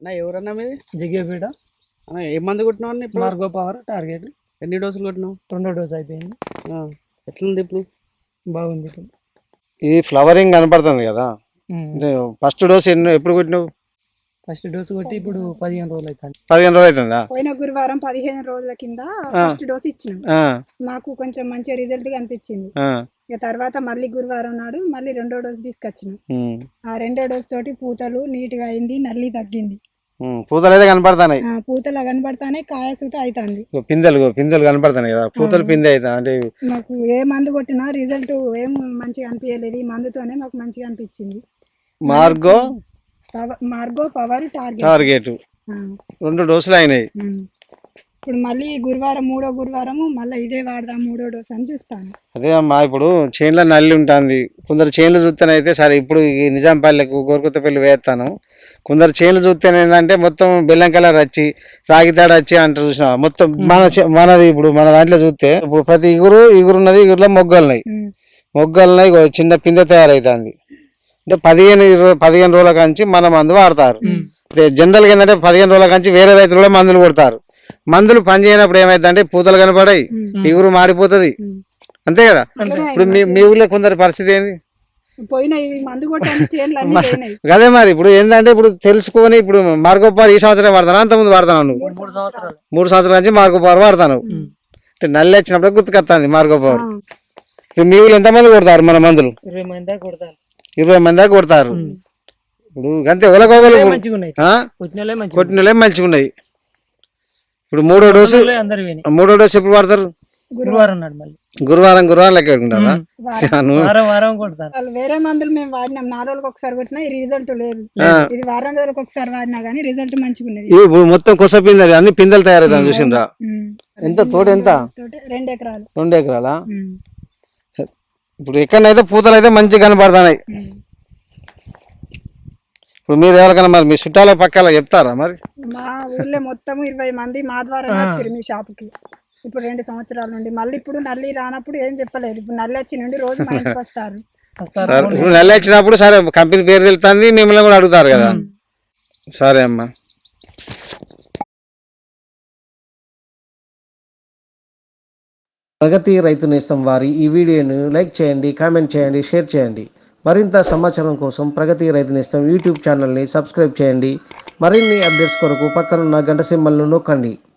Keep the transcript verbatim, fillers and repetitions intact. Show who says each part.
Speaker 1: అన్న ఎవరన్నా మీది?
Speaker 2: జగ్గేపేట.
Speaker 1: అన్న ఏ మందు కొట్టినావు అన్న ఇప్పుడు?
Speaker 2: Margo power target.
Speaker 1: ఎన్ని డోసులు కొట్టినావు?
Speaker 2: రెండో డోస్ అయిపోయింది.
Speaker 1: ఎట్లుంది ఇప్పుడు?
Speaker 2: బాగుంది ఇప్పుడు.
Speaker 3: ఈ ఫ్లవరింగ్ కనపడుతుంది కదా, ఫస్ట్ డోస్ ఎన్ని ఎప్పుడు కొట్టినావు?
Speaker 2: ఫస్ట్ డోస్ కొట్టి ఇప్పుడు పదిహేను రోజులు అవుతుంది.
Speaker 3: పదిహేను రోజులు అవుతుందా?
Speaker 4: పోయిన గురువారం పదిహేను రోజుల కింద ఫస్ట్ డోస్ ఇచ్చినాం. మాకు కొంచెం మంచి రిజల్ట్ అనిపించింది. ఇక తర్వాత మళ్ళీ గురువారం నాడు మళ్ళీ రెండో డోస్ తీసుకొచ్చినాం. ఆ రెండో డోస్ తోటి పూతలు నీట్ గా అయింది, నల్లి తగ్గింది.
Speaker 3: పూతలు అయితే కనపడతాయి,
Speaker 4: పూతలు కనపడతానే కాయ సూత అవుతుంది.
Speaker 3: పిందెలు పిందెలు కనపడతాయి కదా, పూతలు పిందె అవుతా అంటే
Speaker 4: మాకు ఏ మందు కొట్టినా రిజల్ట్ ఏం మంచిగా అనిపించలేదు. ఈ మందుతోనే మాకు మంచిగా అనిపించింది.
Speaker 3: Margo
Speaker 4: Margo power target
Speaker 3: target రెండు డోసులు అయినాయి.
Speaker 4: ఇప్పుడు మళ్ళీ గురువారం మూడో గురువారము మళ్ళీ ఇదే వాడదాం మూడో డోస్ అని చూస్తాను.
Speaker 3: అదే అమ్మా, ఇప్పుడు చేనులో నల్లి ఉంటుంది. కొందరు చేనులు చూస్తేనైతే సరే ఇప్పుడు ఈ నిజాంపల్లెకు గోరుకొత్తపల్లి వేస్తాను. కొందరు చేనులు చూస్తేనే ఏంటంటే మొత్తం బెల్లం కలర్ వచ్చి రాగి తాడు వచ్చి అంటారు చూసిన మొత్తం. మన మనది ఇప్పుడు మన దాంట్లో చూస్తే ఇప్పుడు ప్రతి ఇగురు ఇగురున్నది, ఇగురులో మొగ్గలున్నాయి మొగ్గలున్నాయి చిన్న పిందె తయారవుతుంది. అంటే పదిహేను ఇరవై పదిహేను రోజుల కంచి మన మందు వాడతారు. జనరల్గా ఏంటంటే పదిహేను రోజుల కంచి వేరే రైతులు మందులు కొడతారు. మందులు పని చేయనప్పుడు ఏమైందంటే పూతలు కనపడాయి, ఇగురు మారిపోతుంది, అంతే కదా. ఇప్పుడు మీ మీ ఊళ్ళో కొందరి పరిస్థితి ఏంది? అదే మరి ఇప్పుడు ఏంటంటే ఇప్పుడు తెలుసుకొని ఇప్పుడు మార్గోపార్ ఈ సంవత్సరం వాడతాను, అంత ముందు వాడతాను నువ్వు మూడు సంవత్సరాల నుంచి మార్గోపార్ వాడతాను. అంటే నల్లి వచ్చినప్పుడు గుర్తుకొస్తుంది మార్గోపార్. మీ ఊళ్ళో ఎంతమంది కొడతారు మన మందులు?
Speaker 2: ఇరవై మంది దాకా కొడతారు.
Speaker 3: ఇరవై మంది దాకా కొడతారు. ఇప్పుడు అంతే ఒలగోగలు కొట్టినలే మంచిగా ఉన్నాయి. ఇప్పుడు మూడో డోసు మూడో డోసు ఎప్పుడు వాడతారు?
Speaker 2: గురువారం నాడు మళ్ళీ
Speaker 3: గురువారం గురువారం లెక్క పెట్టుకుంటారా?
Speaker 4: వేరే మందులు మేము వాడినాం, నాలుగు రోజులకు ఒకసారి కొట్టినా ఈ రిజల్ట్ లేదు. ఇది వారం రోజులకు ఒకసారి వాడినా గానీ రిజల్ట్ మంచిగా ఉన్నది.
Speaker 3: ఇప్పుడు మొత్తం కొస పిందెలు అన్ని పిందెలు తయారవుతాయి చూసిండ్రా? ఎంత తోట ఎంత?
Speaker 4: రెండు ఎకరాలు.
Speaker 3: రెండు ఎకరాలా? ఇప్పుడు ఎక్కడైతే పూతలు అయితే మంచిగా కనపడుతున్నాయి. ఇప్పుడు మీరు ఎవరికైనా మరి మీ చుట్టాల పక్కల చెప్తారా? మరి
Speaker 4: మా ఊళ్ళో మొత్తం ఇరవై మంది మా ద్వారా వచ్చారు మీ షాపుకి ఇప్పుడు రెండు సంవత్సరాల నుండి. మళ్ళీ ఇప్పుడు నల్లి రానప్పుడు ఏం చెప్పలేదు, ఇప్పుడు నల్లి వచ్చి నుండి రోజు మా ఇంటికి వస్తారు.
Speaker 3: ఇప్పుడు నల్లి వచ్చినప్పుడు సరే కంపెనీ పేరు తెలుస్తుంది, మిమ్మల్ని కూడా అడుగుతారు కదా. సరే అమ్మా.
Speaker 5: ప్రగతి రైతు నేస్తం వారి ఈ వీడియోను లైక్ చేయండి, కామెంట్ చేయండి, షేర్ చేయండి. మరింత సమాచారం కోసం ప్రగతి రైతు నేస్తం యూట్యూబ్ ఛానల్ని సబ్స్క్రైబ్ చేయండి. మరిన్ని అప్డేట్స్ కొరకు పక్కనున్న గంట సింబల్ను నొక్కండి.